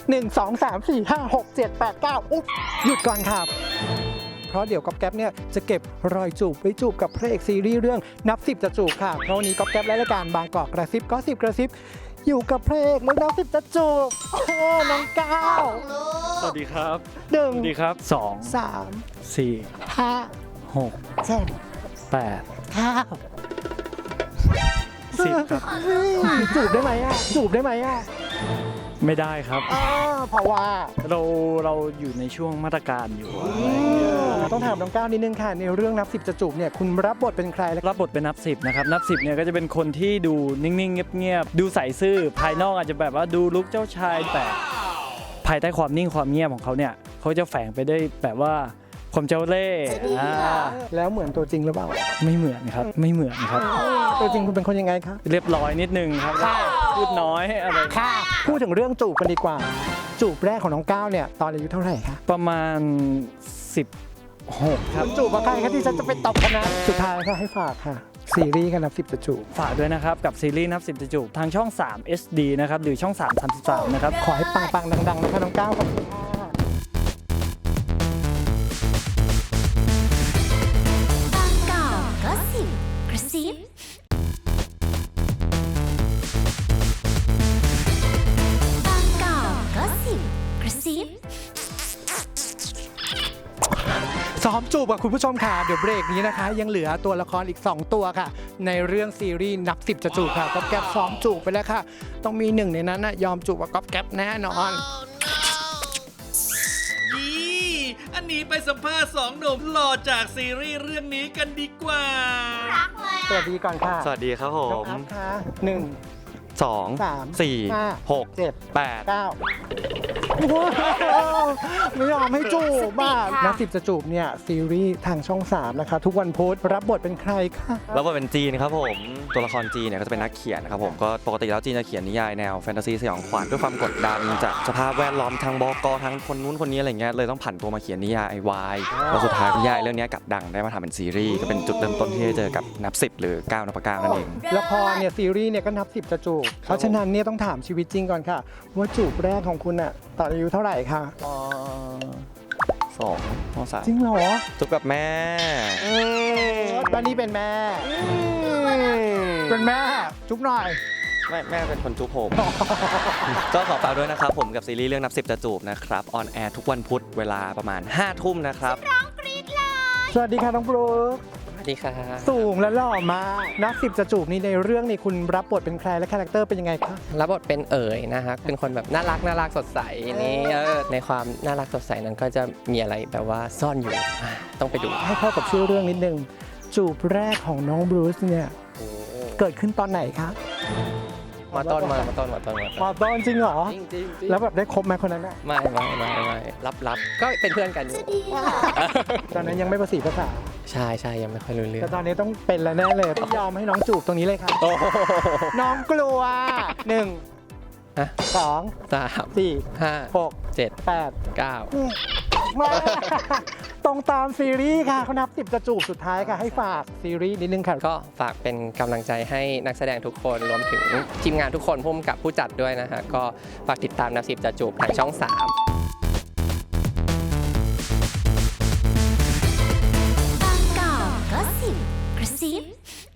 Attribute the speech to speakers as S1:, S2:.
S1: 1 2 3 4 5 6 7 8 9อุ๊บหยุดก่อนครับเพราะเดี๋ยวก๊อฟแก๊ปเนี่ยจะเก็บรอยจูบไว้จูบกับพระเอกซีรีส์เรื่องนับ10จะจูบค่ะเพราะวันนี้ก๊อฟแก๊ปและรายการบางกอกกระซิบก็10กระซิบอยู่กับพระเอกแล้วนับ10จะจูบน้องก้าว
S2: สวัสดีครับ
S1: หนึ่ง
S2: สวัสดีครับ2
S1: 3
S2: 4
S1: 5
S2: 6
S1: 7
S2: 8
S1: 9
S2: 10ครับ
S1: จูบได้ไหมอ่ะจูบได้ไหมอ่ะ
S2: ไม่ได้ครับ
S1: เพราะว่า
S2: เราอยู่ในช่วงมาตรการอยู่อะไรอย่างเงี้ย
S1: ต้องถามน้องก้าวนิดนึงค่ะในเรื่องนับ10จะจูบเนี่ยคุณรับบทเป็นใครและ
S2: รับบทเป็นนับ10นะครับนับ10เนี่ยก็จะเป็นคนที่ดูนิ่งๆเงียบๆดูใส่ซื่อภายนอกอาจจะแบบว่าดูลุคเจ้าชายแต่ภายใต้ความนิ่งความเงียบของเขาเนี่ยเขาจะแฝงไปด้วยแบบว่าความเจ้าเล่ห์
S1: แล้วเหมือนตัวจริงหรือเปล่า
S2: ไม่เหมือนครับไม่เหมือนครับ
S1: ตัวจริงคุณเป็นคนยังไงคะ
S2: เรียบร้อยนิดนึงครับพูดน้อยอะไร
S1: ค่ะพูดถึงเรื่องจูบกันดีกว่า จูบแรกของน้องก้าวเนี่ยตอนอายุเท่าไหร่คะ
S2: ประมาณ16ครับ
S1: จูบกับใครคะที่ฉันจะไปตบกันนะสุดท้ายก็ให้ฝากค่ะซีรีส์กันนับ10จะจูบ
S2: ฝากด้วยนะครับกับซีรีส์นับ10จะจูบทางช่อง3 HD นะครับหรือช่อง3 33นะครับ
S1: ขอให้ปังๆดังๆนะคะน้องก้าวขอบคุณค่ะ
S3: บางกอกก็สิบกระซิบางกอกก็สิบกระซิบ
S1: ซ้อมจูบกับคุณผู้ชมค่ะเดี๋ยวเบรกนี้นะคะ ยังเหลือตัวละครอีก 2 ตัวค่ะ ในเรื่องซีรีส์นับ10จะจูบค่ะก๊อฟแก๊ปซ้อมจูบไปแล้วค่ะ ต้องมีหนึ่งในนั้นนะยอมจูบกับก๊อฟแก๊ปแน่นอน
S4: ยี่อันนี้ไปสัมภาษณ์สองหนุ่มหล่อจากซีรีส์เรื่องนี้กันดีกว่า
S1: สวัสดีก่อนค่ะ
S5: สวัสดีครับผ
S1: น้อง
S5: ม
S1: อัพค่ะ1
S5: 2
S1: 3
S5: 4
S1: 5
S5: 6
S1: 7
S5: 8
S1: 9ไม่ยอมให้จูบบ้านับ10จะจูบเนี่ยซีรีส์ทางช่อง 3 นะคะ ทุกวันพุธรับบทเป็นใครคะ
S5: แล้วก็เป็นจีนครับผม ตัวละครจีนเนี่ยก็จะเป็นนักเขียนนะครับผมก็ปกติแล้วจีนจะเขียนนิยายแนวแฟนตาซีสยองขวัญด้วยความกดดันจากสภาพแวดล้อมทางบกทางคนนู้นคนนี้อะไรเงี้ยเลยต้องผันตัวมาเขียนนิยายวายแล้วสุดท้ายนิยายเรื่องนี้กลับดังได้มาทำเป็นซีรีส์ก็เป็นจุดเริ่มต้นที่ได้เจอกับนับ10หรือ9นับ9นั่นเอง
S1: ละครเนี่ยซีรีส์เนี่ยก็นับ10จะจูบเพราะฉะนั้นเนี่ยต้องถามชีวิตจริงก่อนค่ะ ว่าจูบแรกของคุณอะตอนอายุเท่าไหร่คะ
S5: 2
S1: จริงเหรอ
S5: จุบกับแม่
S1: ตอนนี้เป็นแม่เป็นแม่จุ๊บหน่อย
S5: แม่เป็นคนจุบผม ก็ขอฝากด้วยนะครับผมกับซีรีส์เรื่องนับ10จะจูบนะครับออนแอร์ทุกวันพุธเวลาประมาณ5 ทุ่มนะครับ
S1: สวัสดีค่ะน้องบรูค
S5: สวัสดีครับ
S1: สูงและหล่อมากนับ10จะจูบนี่ในเรื่องนี่คุณรับบทเป็นใครและคาแรคเตอร์เป็นยังไงคะ
S6: รับบทเป็นเอ๋ยนะฮะเป็นคนแบบน่ารักสดใสนี่ในความน่ารักสดใสนั้นก็จะมีอะไรแบบว่าซ่อนอยู่ต้องไปดู
S1: ให้เข้ากับชื่อเรื่องนิดนึงจูบแรกของน้องบรูซเนี่ยเกิดขึ้นตอนไหนคะ
S6: มาต้น
S1: มาตอนจริงเหรอ
S6: จริง
S1: แล้วแบบได้คบไหมคนนั้นอะ
S6: ไม่รับก็เป็นเพื่อนกันอยู่
S1: ตอนนั้นยังไม่ประสีภาษา
S6: ใช่ยังไม่ค่อยรู้เรื่อ
S1: แต่
S6: ง
S1: ตอนนี้ต้องเป็นแล้วแน่เลยต้องยอมให้น้องจูบตรงนี้เลยค่ะ
S6: โอ้โห
S1: น้องกลัว1
S6: อ่ะ
S1: 2
S6: 3
S1: 4
S6: 5
S1: 6
S6: 7
S1: 8
S6: 9
S1: มาตรงตามซีรีส์ค่ะเขานับ10จะจูบสุดท้ายค่ะให้ฝากซีรีส์นิดนึงค่ะ
S6: ก็ฝากเป็นกำลังใจให้นักแสดงทุกคนรวมถึงทีมงานทุกคนพุ่มกับผู้จัดด้วยนะฮะก็ฝากติดตามนับ10จะจูบทางช่อง 3
S3: บางกอกก็สิบกระซิบ